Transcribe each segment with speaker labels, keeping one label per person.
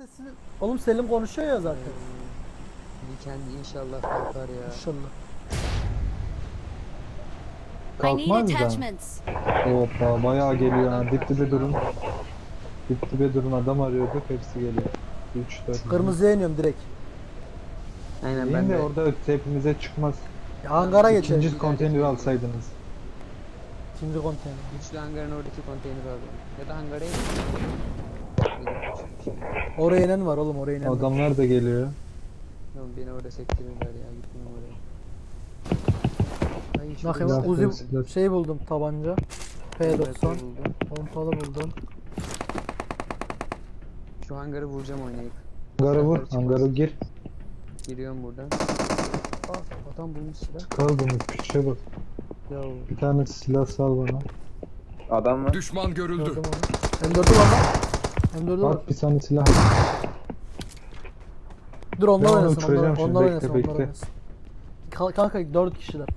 Speaker 1: sesi. Oğlum Selim konuşuyor ya zaten.
Speaker 2: Weekend inşallah kalkar ya.
Speaker 1: İnşallah.
Speaker 3: I need
Speaker 4: Kalkmaz da.
Speaker 3: attachments.
Speaker 4: Hoppa bayağı geliyor ha. Dip dibe durun.
Speaker 2: Karşıdan.
Speaker 4: Dip dibe durun, adam arıyorduk, hepsi geliyor. 3 4.
Speaker 1: Kırmızıya iniyorum direkt.
Speaker 2: Aynen ben
Speaker 4: İn de
Speaker 2: de.
Speaker 4: orada hepimize çıkmaz.
Speaker 1: Ya hangara geçelim.
Speaker 4: İkinci konteyner alsaydınız.
Speaker 1: İkinci konteyner.
Speaker 2: Güçlü hangarın oradaki konteyneri alıyorum. Ya da hangara in.
Speaker 1: Oraya inen var oğlum, oraya inen var.
Speaker 4: Adamlar da geliyor.
Speaker 2: Tamam beni orada sektirirler ya, gitmem oraya. Ay şu
Speaker 1: Bakayım
Speaker 4: Silah,
Speaker 1: Uzi
Speaker 4: silah.
Speaker 1: şey buldum, tabanca. P90.
Speaker 2: buldum.
Speaker 1: Pompalı buldum.
Speaker 2: Şu hangarı vuracağım oynayıp.
Speaker 4: Hangara vur,
Speaker 2: Çıkmaz.
Speaker 4: hangara gir.
Speaker 2: Giriyorum buradan. Aa, adam bulmuş silah.
Speaker 4: Kaldınız, piçe bak.
Speaker 2: Ya
Speaker 4: Bir tane silah sal bana.
Speaker 5: Adam var.
Speaker 6: Düşman görüldü.
Speaker 1: Gördüm onu. M4'ü var lan. M4'ü var.
Speaker 4: Bak bir tane silah.
Speaker 1: Dur onlar
Speaker 4: Ben onu
Speaker 1: oynasın,
Speaker 4: uçuracağım
Speaker 1: onlar
Speaker 4: şimdi,
Speaker 1: oynasın,
Speaker 4: bekle,
Speaker 1: onlar
Speaker 4: bekle.
Speaker 1: oynasın. Kanka 4 kişiler.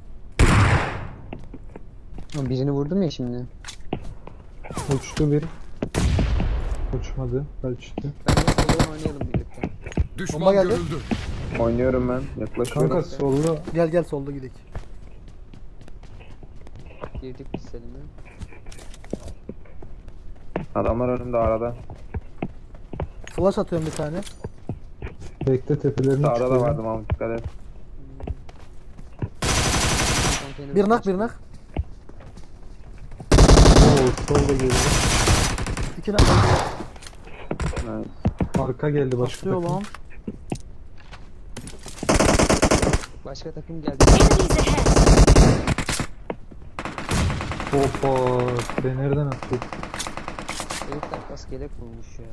Speaker 2: birini vurdum ya şimdi.
Speaker 4: Uçtu bir. Uçmadı, kaçtı.
Speaker 2: Ben de soldan oynayalım birlikte.
Speaker 1: Bomba
Speaker 6: Düşman
Speaker 1: geldi.
Speaker 6: görüldü.
Speaker 5: Oynuyorum ben. Yaklaşıyorum.
Speaker 4: Kanka solda.
Speaker 1: Gel solda gidelim.
Speaker 2: Girdik biz Selim'e.
Speaker 5: Adamlar önümde arada.
Speaker 1: Flash atıyorum bir tane.
Speaker 4: Bekle, tepelerini
Speaker 5: Sağda da
Speaker 4: çıkıyorum.
Speaker 5: vardı Mahmut, dikkat et.
Speaker 2: Konteyner
Speaker 1: Bir nak
Speaker 2: açtım.
Speaker 1: bir nak.
Speaker 4: Oo, solda geliyor.
Speaker 1: 2 nak.
Speaker 5: Evet.
Speaker 4: Arka geldi başka
Speaker 1: Basıyor
Speaker 4: takım.
Speaker 1: lan.
Speaker 2: Başka takım geldi.
Speaker 3: Enemies ahead.
Speaker 4: Hoppa, ben nereden attı?
Speaker 2: Herifler kaskelek bulmuş ya.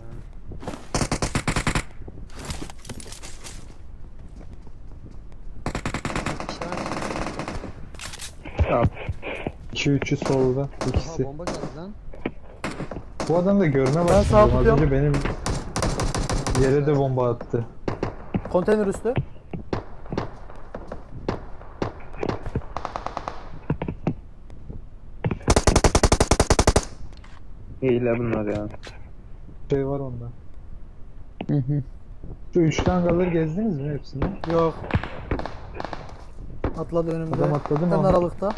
Speaker 5: Tamam.
Speaker 4: 2-3'ü solda,
Speaker 2: Aha
Speaker 4: ikisi.
Speaker 2: bomba geldi lan.
Speaker 4: Bu adam da görme
Speaker 1: Ben
Speaker 4: başladı.
Speaker 1: sağ
Speaker 4: Az
Speaker 1: tutuyorum.
Speaker 4: önce benim yere de bomba attı.
Speaker 1: Konteyner üstü.
Speaker 5: Hile bunlar ya.
Speaker 4: Şey var onda.
Speaker 2: Hı hı.
Speaker 4: Şu 3 hangarları gezdiniz mi hepsini?
Speaker 1: Yok. Atladı önümde.
Speaker 4: Adam atladı mı?
Speaker 1: Hemen
Speaker 4: Onu?
Speaker 1: aralıkta.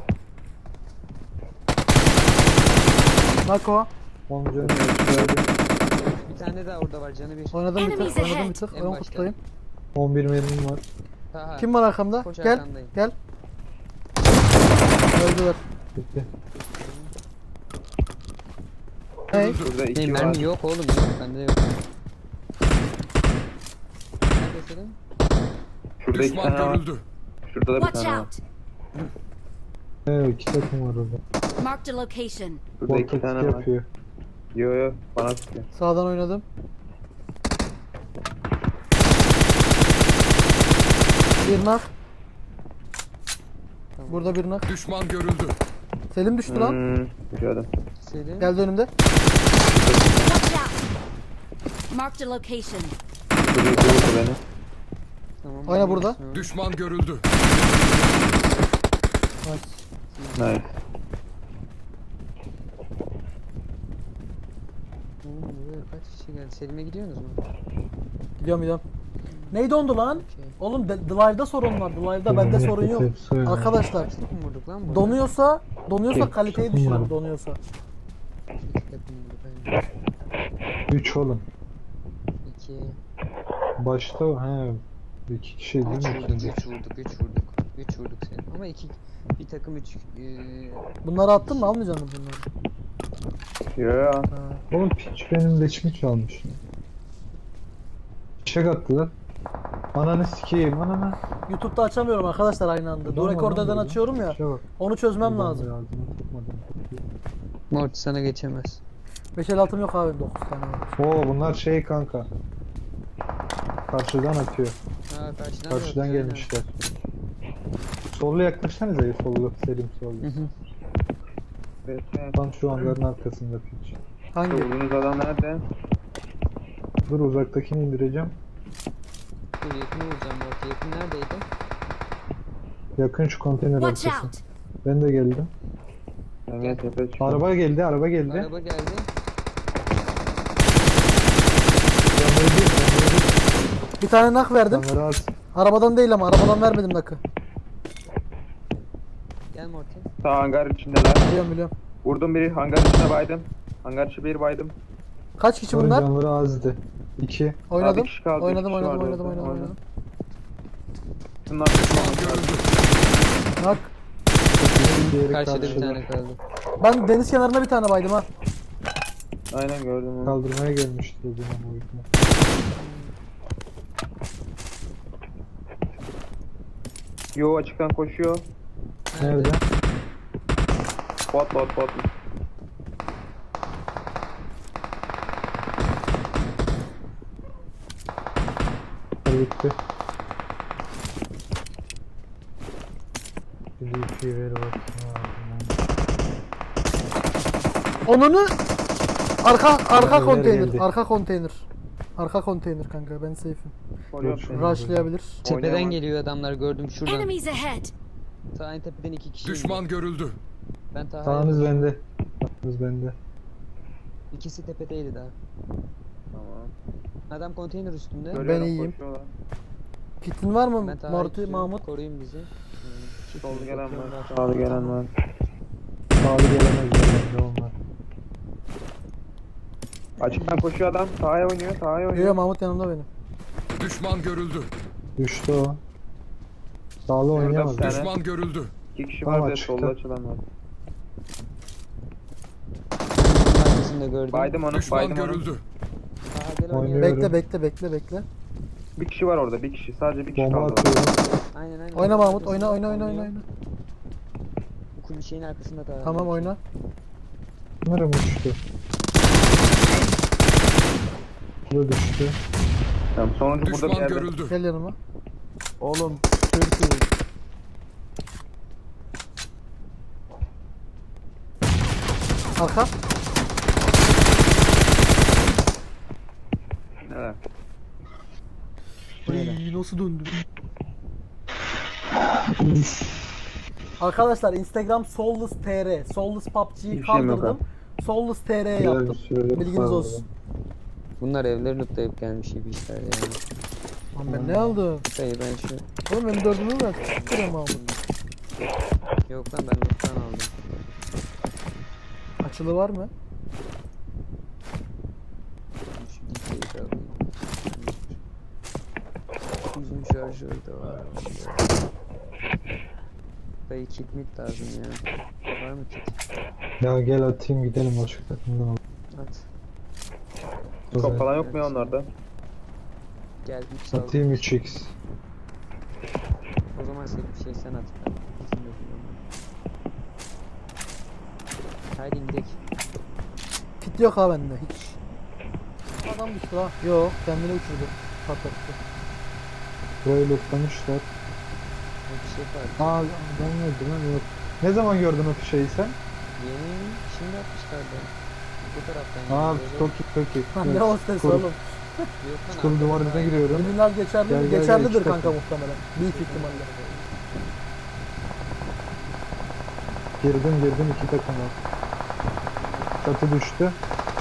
Speaker 1: Nako.
Speaker 4: 10 canı
Speaker 2: Bir tane daha orada var canı bir.
Speaker 1: Oynadım bir
Speaker 3: Enemies
Speaker 1: tık. Oynadım
Speaker 3: ahead.
Speaker 1: bir tık.
Speaker 2: En
Speaker 1: Ön
Speaker 2: başta.
Speaker 1: kutlayayım.
Speaker 4: 11 mermim var.
Speaker 2: Ha, ha.
Speaker 1: Kim var arkamda?
Speaker 2: Koş
Speaker 1: Gel.
Speaker 2: arkandayım.
Speaker 1: Gel. Öldüler.
Speaker 4: Bitti.
Speaker 1: Hey.
Speaker 5: Burada iki
Speaker 2: Benim
Speaker 5: var.
Speaker 2: mermi yok oğlum, yok bende yok. Nerede Selim?
Speaker 5: Şurada iki
Speaker 6: Düşman
Speaker 5: tane var.
Speaker 6: görüldü.
Speaker 5: Şurada da bir
Speaker 3: Watch
Speaker 5: tane var.
Speaker 3: out.
Speaker 4: Evet, 2 takım var orada.
Speaker 3: Marked a location.
Speaker 5: Şurada iki
Speaker 4: Volkatik
Speaker 5: tane var.
Speaker 4: yapıyor.
Speaker 5: Yo yo, bana sıkıyor.
Speaker 1: Sağdan oynadım. Bir nak.
Speaker 2: Tamam.
Speaker 1: Burada bir nak.
Speaker 6: Düşman görüldü.
Speaker 1: Selim düştü lan.
Speaker 5: Gördüm.
Speaker 2: Selim.
Speaker 1: Geldi önümde.
Speaker 3: Watch out. Marked a location.
Speaker 5: Şurada iki vurdu beni.
Speaker 2: Tamam,
Speaker 1: Oyna
Speaker 2: ben
Speaker 1: burada.
Speaker 2: geçmiyorum.
Speaker 6: Düşman görüldü.
Speaker 1: Nice.
Speaker 5: Nice.
Speaker 2: Buraya kaç kişi geldi? Selim'e gidiyorsunuz mu?
Speaker 1: Gidiyorum. Neydi dondu lan?
Speaker 2: Okey.
Speaker 1: Oğlum The Live'da sorun var. The Live'da bende sorun yok.
Speaker 4: Hepsi öyle.
Speaker 1: Arkadaşlar
Speaker 2: Kaç takım vurduk lan burada?
Speaker 1: donuyorsa
Speaker 4: Tek
Speaker 1: kaliteyi
Speaker 4: takım
Speaker 1: düşürün
Speaker 4: var.
Speaker 1: donuyorsa.
Speaker 2: İki takım vurduk. Aynen.
Speaker 4: 3 oğlum.
Speaker 2: 2.
Speaker 4: Başta he 2 kişi değil
Speaker 2: 3
Speaker 4: mi?
Speaker 2: vurduk,
Speaker 4: ikinci?
Speaker 2: 3 vurduk, 3 vurduk. 3 vurduk Selim. Ama bir takım 3
Speaker 1: Bunları attın mı, almayacaksın mı bunları?
Speaker 5: Yo yo.
Speaker 1: Ha.
Speaker 4: Oğlum piç benim leşimi çalmış. Çek attılar. Ananı sikeyim ananı.
Speaker 1: YouTube'da açamıyorum arkadaşlar aynı anda. Dur rekordadan açıyorum ya. Onu çözmem lazım.
Speaker 2: Morty sana geçemez.
Speaker 1: 556'm yok abi, 9 tane var.
Speaker 4: Oo bunlar şey kanka. Karşıdan atıyor.
Speaker 2: Ha karşıdan,
Speaker 4: Karşıdan
Speaker 2: da atıyor,
Speaker 4: gelmişler. Sollu yaklaşsanıza ya, sollu Selim sollu.
Speaker 2: aynen. Hı hı.
Speaker 5: Evet, evet.
Speaker 4: Tam şu hangarın arkasında piç.
Speaker 1: Hangi?
Speaker 5: Vurduğunuz adam nerede?
Speaker 4: Dur uzaktakini indireceğim.
Speaker 2: Dur yakını vuracağım Morty. Yakın neredeydi?
Speaker 4: Yakın şu konteyner
Speaker 3: Watch
Speaker 4: arkası.
Speaker 3: out.
Speaker 4: Ben de geldim.
Speaker 5: Ben gel tepe çıktım.
Speaker 4: Araba geldi, araba geldi.
Speaker 2: Araba geldi.
Speaker 4: Yanları
Speaker 1: Bir tane nak verdim.
Speaker 4: Onları at.
Speaker 1: Arabadan değil ama arabadan vermedim nakı.
Speaker 2: Gel Morty.
Speaker 5: Sağ hangar içindeler.
Speaker 1: Biliyorum biliyorum.
Speaker 5: Vurdum biri hangar içine baydım. Hangar içi bir baydım.
Speaker 1: Kaç kişi
Speaker 4: Bunların
Speaker 1: bunlar?
Speaker 4: canları azdı. 2.
Speaker 1: Oynadım.
Speaker 5: bir kişi kaldı,
Speaker 1: Oynadım
Speaker 5: iki kişi
Speaker 1: oynadım
Speaker 5: var
Speaker 1: oynadım
Speaker 5: orada.
Speaker 1: oynadım.
Speaker 5: Şunun arkasına bakıyorum.
Speaker 1: Nak.
Speaker 4: Diğeri
Speaker 2: Karşıda bir
Speaker 4: karşıda.
Speaker 2: tane kaldı.
Speaker 1: Ben deniz kenarına bir tane baydım ha.
Speaker 5: Aynen gördüm onu.
Speaker 4: Kaldırmaya gelmiştir o zaman bu yüzden.
Speaker 5: Yo açıktan koşuyor.
Speaker 4: Nerede?
Speaker 5: Bot.
Speaker 4: Bitti. Bir şey ver bakayım.
Speaker 1: Onunu arka
Speaker 4: Neler
Speaker 1: konteyner.
Speaker 4: geldi?
Speaker 1: Arka konteyner. Arka konteyner kanka ben safe'im.
Speaker 5: Koruyorum seni.
Speaker 1: Rushlayabilir.
Speaker 2: Tepeden
Speaker 5: Oynayamam.
Speaker 2: geliyor adamlar gördüm şuradan.
Speaker 3: Enemies ahead!
Speaker 2: Sağ en tepeden 2 kişi.
Speaker 6: Düşman görüldü.
Speaker 2: Ben Taha'ya
Speaker 4: Sağınız bende. Sağınız bende.
Speaker 2: İkisi tepedeydi daha.
Speaker 5: Tamam.
Speaker 2: Adam konteyner üstünde.
Speaker 5: Görüyorum,
Speaker 1: iyiyim.
Speaker 5: koşuyorlar.
Speaker 1: Kitin var mı
Speaker 2: Ben Taha'yı
Speaker 1: Morty,
Speaker 2: tutuyorum,
Speaker 1: Mahmut?
Speaker 2: koruyun bizi.
Speaker 5: Solda gelen
Speaker 2: Bakıyorum
Speaker 5: var.
Speaker 2: ben.
Speaker 5: Sağda gelen var.
Speaker 4: Sağlı gelemez bende onlar.
Speaker 5: Açıktan koşuyor adam. Sahaya oynuyor. Sahaya
Speaker 1: Yo
Speaker 5: oynuyor.
Speaker 1: Mahmut yanımda benim.
Speaker 6: Düşman görüldü.
Speaker 4: Düştü o. Sağlı oynayamaz.
Speaker 5: bir tane.
Speaker 6: Düşman görüldü.
Speaker 5: 2 kişi
Speaker 4: Tamam,
Speaker 5: var da
Speaker 4: açıkta.
Speaker 5: solda açılan var.
Speaker 2: Arkasında gördüm.
Speaker 5: Baydım onu.
Speaker 6: Düşman
Speaker 5: Baydım onu.
Speaker 6: görüldü.
Speaker 2: Taha gel
Speaker 4: Oynuyor.
Speaker 2: oynayalım.
Speaker 1: Bekle.
Speaker 5: Bir kişi var orada. Bir kişi. Sadece bir kişi
Speaker 4: Bomba
Speaker 5: kaldı.
Speaker 4: atıyorum.
Speaker 2: Aynen.
Speaker 1: Oyna Mahmut,
Speaker 2: Arkasında
Speaker 1: oyna.
Speaker 2: oynuyor. Bu kul şeyin arkasında Taha.
Speaker 1: Tamam oyna.
Speaker 4: Bunlara düştü. Bu da düştü.
Speaker 5: Tamam, sonuncu burada bir
Speaker 6: Düşman
Speaker 5: yerde.
Speaker 6: görüldü.
Speaker 1: Gel yanıma.
Speaker 2: Oğlum Türkiye.
Speaker 1: Arka.
Speaker 5: Evet.
Speaker 1: Ay, nasıl döndü? Arkadaşlar Instagram soulless.tr, soulless PUBG'yi
Speaker 5: Bir şeyim yok
Speaker 1: kaldırdım. Soulless.tr'ye
Speaker 4: Güzel
Speaker 1: yaptım.
Speaker 4: bir sürede
Speaker 1: Bilginiz
Speaker 4: kurtardım.
Speaker 1: olsun.
Speaker 2: Bunlar evleri lootlayıp gelmiş gibi işler yani.
Speaker 1: Lan ben ne aldım?
Speaker 2: Dayı ben şu...
Speaker 1: Oğlum benim dördümü ver. Siktirem Mahmut.
Speaker 2: Yok lan ben loot'tan aldım.
Speaker 1: Açılı var mı?
Speaker 2: Şu dikeyi de alayım. Uzun şarjör de var. Dayı kit mit lazım ya. Var mı kit?
Speaker 4: Ya gel atayım gidelim başka takımdan al.
Speaker 2: At.
Speaker 5: Top falan yok mu ya onlarda?
Speaker 2: Gel 3 sal.
Speaker 4: Atayım 3x.
Speaker 2: O zaman sen bir şey sen at. Ben bizim yokum ama. Haydi gidelim.
Speaker 1: Kit yok ha bende hiç. Adam düştü ha. Yok kendini uçurdu. Patlattı.
Speaker 4: Burayı lootlamışlar.
Speaker 2: O bir şey var.
Speaker 4: Aa adam öldü lan yok. Ne zaman gördün o şeyi sen?
Speaker 2: Yeni şimdi atmışlardı. Bu taraftan.
Speaker 4: Aa
Speaker 2: geliyor.
Speaker 4: Toki.
Speaker 1: Lan ne hostes
Speaker 4: Çukur-
Speaker 1: oğlum.
Speaker 2: Yok lan,
Speaker 4: Çukur
Speaker 2: arkadan
Speaker 4: duvarına
Speaker 2: daha-
Speaker 4: giriyorum.
Speaker 1: Ürünler geçerli,
Speaker 4: Gel, gel, gel,
Speaker 1: geçerlidir
Speaker 4: iki
Speaker 1: kanka
Speaker 4: takım.
Speaker 1: muhtemelen. Büyük ihtimalle.
Speaker 4: Girdim 2 takım var. Çatı düştü.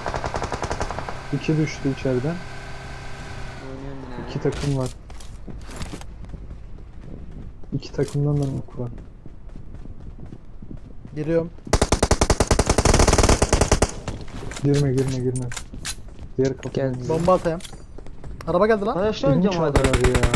Speaker 4: 2 düştü içeriden.
Speaker 2: Oynuyorum yine.
Speaker 4: 2 takım var. 2 takımdan da nok var.
Speaker 1: Giriyorum.
Speaker 4: Girme. Diğer kapı.
Speaker 2: Gel.
Speaker 1: Bomba atayım. Araba geldi lan.
Speaker 4: Birini çaldılar ya.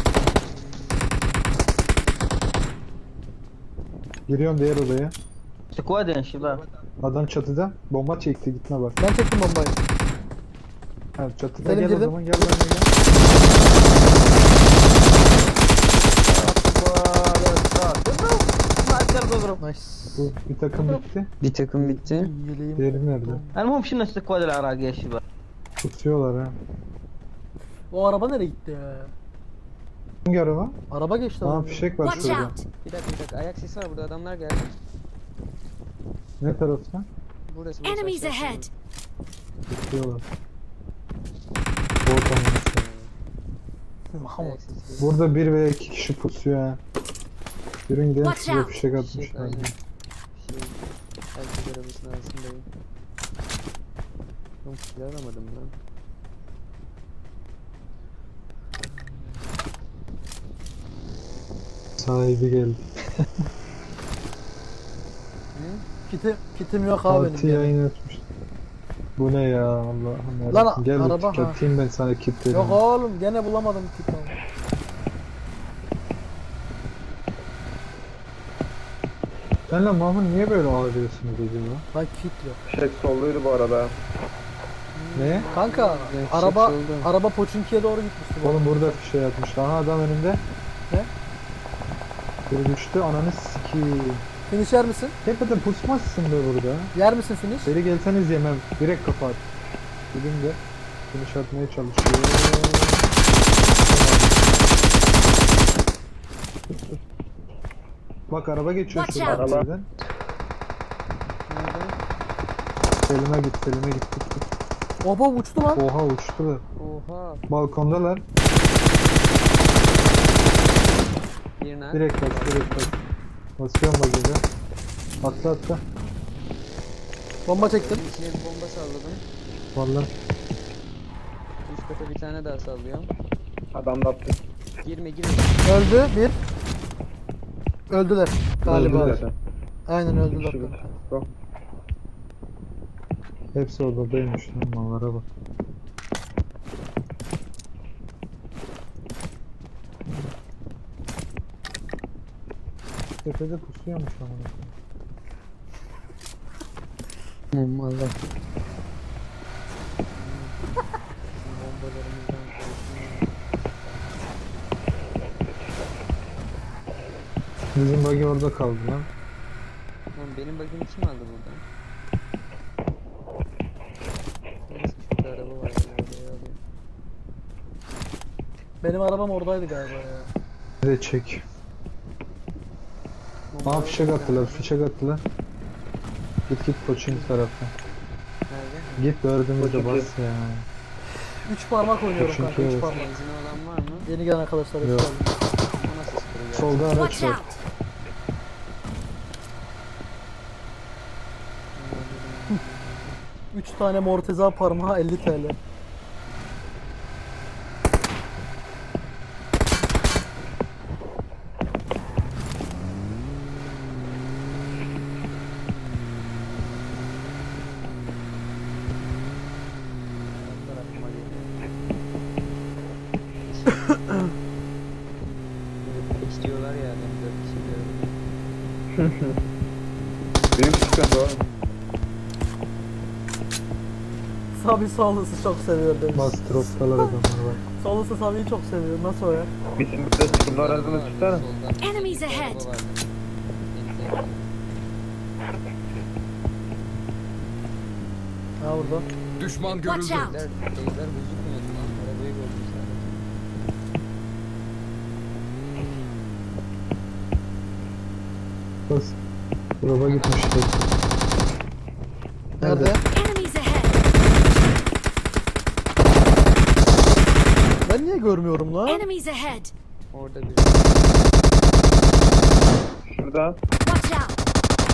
Speaker 4: Giriyorum diğer odaya.
Speaker 7: Squadın şiba.
Speaker 4: Adam çatıda. Bomba çekti gitme bak.
Speaker 1: Ben çektim bombayı.
Speaker 4: Ha, çatıda
Speaker 1: Selim
Speaker 4: gel
Speaker 1: girdim.
Speaker 4: o zaman gel benimle gel.
Speaker 1: Nice.
Speaker 4: Bu bir takım bitti.
Speaker 2: Bir takım bitti.
Speaker 1: Yeleğim.
Speaker 4: Diğeri nerede?
Speaker 7: المهم شنو السكواد العراقي يا شباب؟
Speaker 4: Tutuyorlar ha.
Speaker 1: O araba nereye gitti ya?
Speaker 4: Hangi araba?
Speaker 1: Araba geçti.
Speaker 4: Aa
Speaker 1: adam.
Speaker 4: fişek var
Speaker 3: Watch
Speaker 4: şurada.
Speaker 3: out!
Speaker 2: Bir dakika. Ayak sesi var burada adamlar geldi.
Speaker 4: Ne tarafta?
Speaker 2: Burası.
Speaker 3: Enemies
Speaker 2: aşağı
Speaker 3: ahead!
Speaker 4: Tutuyorlar. Bot olması.
Speaker 1: Mahmut.
Speaker 2: Ayak sesi.
Speaker 4: Burada 1 veya 2 kişi pusuyor ha. Yürüyün gidelim
Speaker 3: Watch
Speaker 4: size
Speaker 3: out.
Speaker 4: fişek
Speaker 2: Fişek,
Speaker 4: atmışlar.
Speaker 2: aynen. Herkes arabasının arasındayım. Oğlum silah alamadım lan.
Speaker 4: Sahibi geldi.
Speaker 1: Kitim yok abi
Speaker 4: Altı
Speaker 1: benim.
Speaker 4: yayın açmış. Bu ne ya Allah'ım
Speaker 1: Lan,
Speaker 4: yarabbim. Gel
Speaker 1: araba,
Speaker 4: bir
Speaker 1: ha.
Speaker 4: atayım ben sana kitleri.
Speaker 1: Yok oğlum gene bulamadım kit abi.
Speaker 4: Senle Mahmut niye böyle ağlıyorsunuz acaba?
Speaker 1: Lan kit yok.
Speaker 5: Fişek solluydu bu arada.
Speaker 4: Ne?
Speaker 1: Kanka
Speaker 2: Evet,
Speaker 1: araba
Speaker 2: çok oldu.
Speaker 1: araba Poçinki'ye doğru gitmişti. bu.
Speaker 4: Oğlum burada fişe yatmış. Aha adam önünde.
Speaker 1: Ne?
Speaker 4: Biri düştü ananı sikiyim.
Speaker 1: Finish yer misin?
Speaker 4: Tepede pusmazsın be burada.
Speaker 1: Yer misin finish?
Speaker 4: Beri gelseniz yemem. Direkt kapat. Dedim de finish atmaya çalışıyor. Bak araba geçiyor
Speaker 3: Watch
Speaker 4: şuradan.
Speaker 5: out.
Speaker 4: Araba. Selim'e git, Selim'e git.
Speaker 1: Oba uçtu lan.
Speaker 4: Oha uçtular.
Speaker 2: Oha.
Speaker 4: Balkondalar.
Speaker 2: Birine.
Speaker 4: Direkt bas, direkt bas. Basıyorum bagajı. Atla atla.
Speaker 1: Bomba çektim.
Speaker 2: İçine bir bomba salladım.
Speaker 4: Vallahi.
Speaker 2: Üst kata bir tane daha sallıyorum.
Speaker 5: Adam da attı.
Speaker 2: Girme girme.
Speaker 1: Öldü bir. Öldüler galiba.
Speaker 4: Öldüler.
Speaker 5: Zaten.
Speaker 1: Aynen öldüler.
Speaker 5: Kişi
Speaker 1: kanka.
Speaker 5: Yok.
Speaker 4: Hepsi odadaymış lan mallara bak. Tepede pusuyormuş ama.
Speaker 2: Allah.
Speaker 4: Bizim bagi orada kaldı lan.
Speaker 2: Oğlum benim bagimi kim aldı buradan? Neyse şurada araba var. Ben arabayı alayım.
Speaker 1: Benim arabam oradaydı galiba ya.
Speaker 4: Bir de çek.
Speaker 2: Bomba
Speaker 4: Aa fişek
Speaker 2: var.
Speaker 4: attılar, fişek attılar. Git Koçing taraftan.
Speaker 2: Nerede?
Speaker 4: Git dördümüzde
Speaker 5: Koçing.
Speaker 4: bas ya.
Speaker 1: 3 parmak oynuyorum kanka 3
Speaker 4: Çünkü-
Speaker 1: parmak.
Speaker 2: Benzin olan var mı?
Speaker 1: Yeni gelen arkadaşlar hoş
Speaker 4: Yok.
Speaker 1: geldiniz.
Speaker 2: O nasıl sıkılıyor?
Speaker 4: Solda araç
Speaker 3: Watch
Speaker 4: var.
Speaker 3: out!
Speaker 1: Üç tane morteza parmağı 50 TL.
Speaker 2: İstiyorlar ya ben 4 kişi diyorum.
Speaker 5: Benim sıkıntı oğlum.
Speaker 1: Sabi Sağlısı çok seviyor demiş.
Speaker 4: Bas droptalar adamlar bak.
Speaker 1: Sağlısı Sabi'yi çok seviyor. Nasıl o ya?
Speaker 5: Bizim burada sıkıntı arasını tutsana.
Speaker 3: Enemies ahead.
Speaker 1: Ha burada.
Speaker 6: Düşman
Speaker 3: Watch
Speaker 6: görüldü.
Speaker 3: out!
Speaker 2: Evler gözükmüyordu lan. Arabayı gördüm sadece.
Speaker 4: Bas. Drop'a gitmişler.
Speaker 1: Nerede?
Speaker 3: Enemies ahead!
Speaker 1: Ben niye görmüyorum lan?
Speaker 3: Enemies ahead!
Speaker 2: Orada bir.
Speaker 5: Şurada.
Speaker 3: Watch out!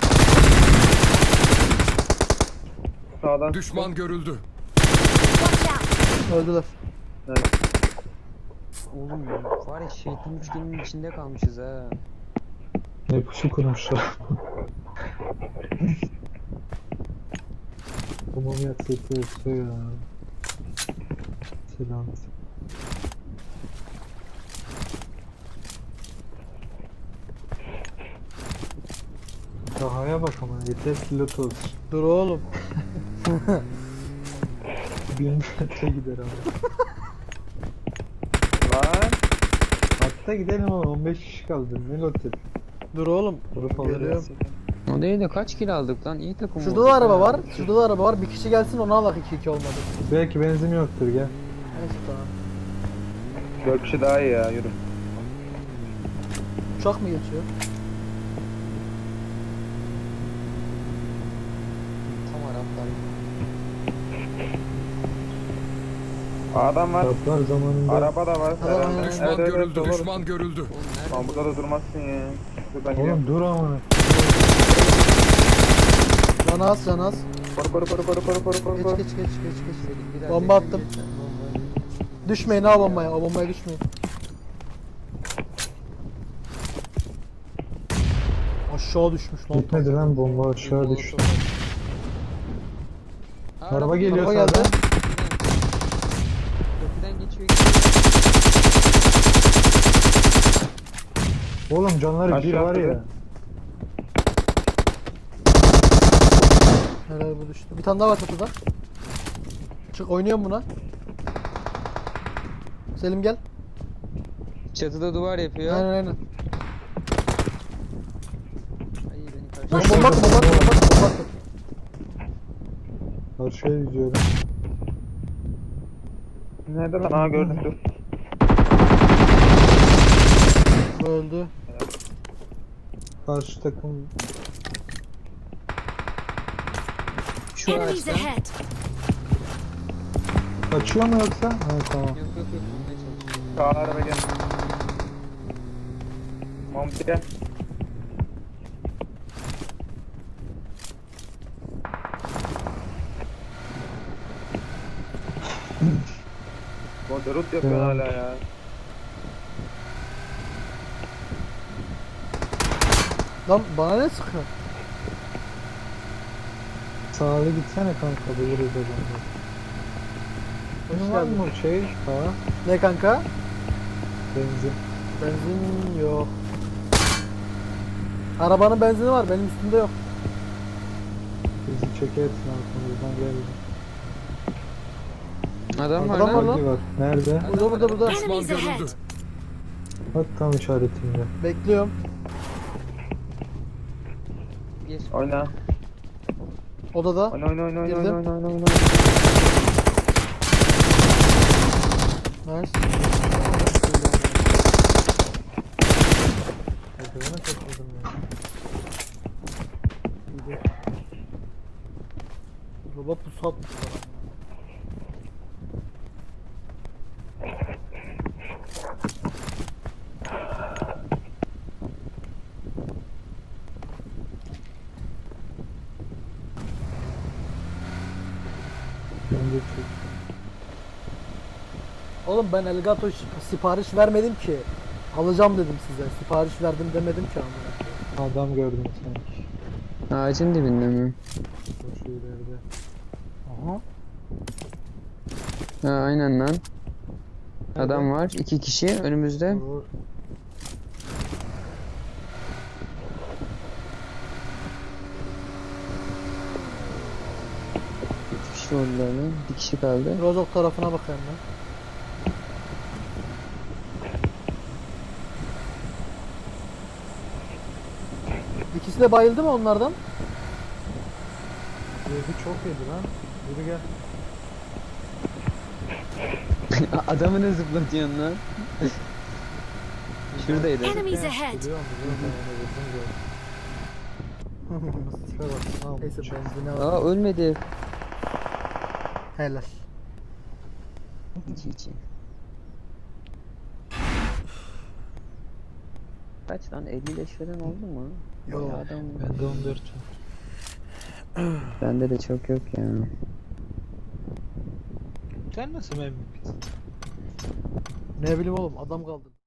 Speaker 5: Sağdan.
Speaker 6: Düşman görüldü.
Speaker 3: Watch out!
Speaker 1: Öldüler.
Speaker 2: Oğlum var ya şeytan üçgenin içinde kalmışız ha.
Speaker 4: Ne pusu kurmuşlar. Tamam yaksıtı yoksa ya. Selam. Sahaya bak ama yeter pilot olsun.
Speaker 1: Dur oğlum.
Speaker 4: 1000 metre gider ama.
Speaker 5: Lan.
Speaker 4: Hatta gidelim ama 15 kişi kaldı. Ne lotet?
Speaker 1: Dur oğlum.
Speaker 4: Grup
Speaker 1: Geliyorum.
Speaker 4: alacağız.
Speaker 2: O değil de kaç kill aldık lan? İyi takım
Speaker 1: Şurada
Speaker 2: olduk
Speaker 1: da araba
Speaker 2: ha.
Speaker 1: var. Şurada da araba var. Bir kişi gelsin onu alak 2-2 olmadı.
Speaker 4: Belki benzin yoktur gel.
Speaker 1: Neyse tamam.
Speaker 5: 4 kişi daha iyi ya yürü.
Speaker 1: Uçak mı geçiyor?
Speaker 2: Tam Araplar.
Speaker 5: Adam var.
Speaker 4: Kaplar zamanında
Speaker 5: Araba da var.
Speaker 1: Adam
Speaker 5: Herhalde.
Speaker 1: aynen.
Speaker 6: Düşman
Speaker 5: Evet, evet,
Speaker 6: görüldü.
Speaker 5: doğru.
Speaker 6: Düşman görüldü.
Speaker 2: Oğlum nerede?
Speaker 5: Lan burada da durmazsın ya. Şuradan gidiyorum.
Speaker 4: Oğlum dur ama.
Speaker 1: Canaz canaz.
Speaker 5: Koru.
Speaker 1: Geç.
Speaker 2: Biraz
Speaker 1: Bomba
Speaker 2: yakın
Speaker 1: attım.
Speaker 2: geç lan, bombayı.
Speaker 1: Düşmeyin ha bombaya. O bombaya düşmeyin. Aşağı düşmüş lan.
Speaker 4: Gitmedi lan bomba aşağı düştü. Araba geliyor
Speaker 1: Araba geldi.
Speaker 4: sağdan.
Speaker 2: Köprüden geçiyor.
Speaker 4: Oğlum canları bir
Speaker 5: Aşağı
Speaker 4: var ya.
Speaker 5: atladı.
Speaker 1: Helal bu düştü. Bir tane daha var çatıda. Çık oynuyorum buna. Selim gel.
Speaker 2: Çatıda duvar yapıyor.
Speaker 1: Aynen aynen.
Speaker 2: Ay beni karşı.
Speaker 1: Bomba attı, bomba attı, bomba attı, bomba attı.
Speaker 4: Karşıya yüzüyorum.
Speaker 5: Nerede lan? Aa gördüm dur.
Speaker 1: Bu öldü.
Speaker 4: Karşı takım
Speaker 2: Şu
Speaker 3: Enemies
Speaker 2: ağaçtan. Yok
Speaker 3: ahead!
Speaker 4: kaçıyor mu yoksa? Ha tamam.
Speaker 2: yok yok. Tutmaya çalışıyorum.
Speaker 5: Sağ araba gel. Mahmut gel. Moderut yapıyor hala ya.
Speaker 1: Lan bana ne sıkıyor?
Speaker 4: Sağlı gitsene kanka buluruz adamı. Bunun var mı şey? Sağa
Speaker 1: Ne kanka?
Speaker 4: benzin.
Speaker 1: Benzin yok. Arabanın benzini var, benim üstümde yok.
Speaker 4: Bizi çekersin arkamızdan geldi.
Speaker 2: Adam var
Speaker 1: Adam var
Speaker 2: lan.
Speaker 1: lan.
Speaker 4: Bagi var. Nerede?
Speaker 1: Burada.
Speaker 6: Düşman
Speaker 3: Enemies
Speaker 6: görüldü.
Speaker 3: ahead!
Speaker 4: Bak tam işaretimde.
Speaker 1: Bekliyorum.
Speaker 2: Bir.
Speaker 5: Oyna.
Speaker 1: Odada.
Speaker 5: Oyna oyna oyna oyna
Speaker 1: Girdim.
Speaker 5: oyna oyna oyna.
Speaker 1: Nice.
Speaker 4: Merdivene kaçırdım ya.
Speaker 1: Robot pusu atmış bana.
Speaker 4: Bence çok.
Speaker 1: Oğlum ben Elgato sipariş vermedim ki. Alacağım dedim size. Sipariş verdim demedim ki amına.
Speaker 4: Adam gördüm sanki.
Speaker 2: Ağacın dibinde mi?
Speaker 4: O şu ileride.
Speaker 1: Aha.
Speaker 2: Ha aynen lan. Adam var. 2 kişi önümüzde.
Speaker 4: Vur.
Speaker 2: Bir kişi oldular lan. Bir kişi kaldı.
Speaker 1: Rozok tarafına bakayım ben. İkisi de bayıldı mı onlardan?
Speaker 4: Yedi çok yedi lan. Yürü gel.
Speaker 2: Adamı ne zıplatıyorsun lan? Şuradaydı.
Speaker 3: Enemies ahead!
Speaker 4: Biliyor musun? Ben onu vurdum zaten. Şuna bak. Tamam.
Speaker 1: Neyse benzine var.
Speaker 2: Aa ölmedi.
Speaker 1: Helal.
Speaker 2: İçi. Kaç lan 55 falan oldu mu?
Speaker 1: Yok.
Speaker 2: Bayağı adam.
Speaker 4: Bende 14 var.
Speaker 2: Bende de çok yok ya.
Speaker 4: Sen nasıl memnun?
Speaker 1: Ne bileyim oğlum adam kaldı.